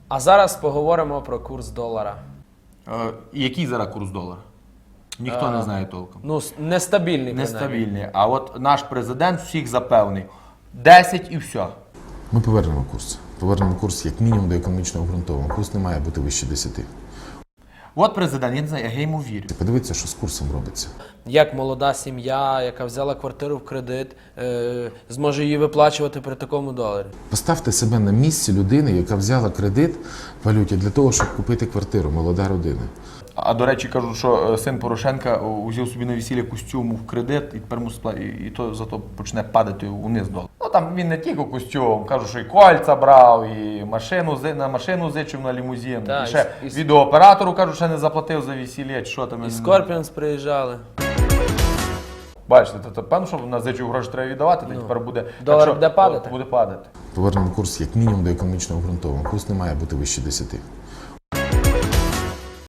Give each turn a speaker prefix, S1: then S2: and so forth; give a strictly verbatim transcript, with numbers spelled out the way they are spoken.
S1: А зараз поговоримо про курс долара.
S2: Е, який зараз курс долара? Ніхто
S1: А,
S2: не знає толком.
S1: Ну, с- нестабільний, принаймні.
S2: Нестабільний. А от наш президент всіх запевнив. десять і все.
S3: Ми повернемо курс. Повернемо курс як мінімум до економічно обґрунтованого. Курс не має бути вище десяти.
S2: От президент, я не знаю, я йому вірю.
S3: Подивіться, що з курсом робиться.
S1: Як молода сім'я, яка взяла квартиру в кредит, е, зможе її виплачувати при такому доларі?
S3: Поставте себе на місці людини, яка взяла кредит в валюті для того, щоб купити квартиру, молода родина.
S2: А до речі, кажуть, що е, син Порошенка узяв собі на весілля костюм в кредит і тепер мусить пла- і, і то зато почне падати униз долар. Ну там він не тільки костюм, кажуть, що і кольця брав, і машину зи- на машину зичив на лімузин.
S1: Так,
S2: і ще
S1: і с-
S2: відеооператору кажуть, що не заплатив за весілля, чи що там.
S1: І Скорпіонс приїжджали.
S2: Бачите, то, то певно, що на зичив гроші треба віддавати, то
S1: Ну,
S2: тепер буде
S1: долар
S2: так, що,
S1: буде падати.
S2: Буде падати.
S3: Повернемо курс як мінімум до економічно обґрунтованого. Курс не має бути вище десяти.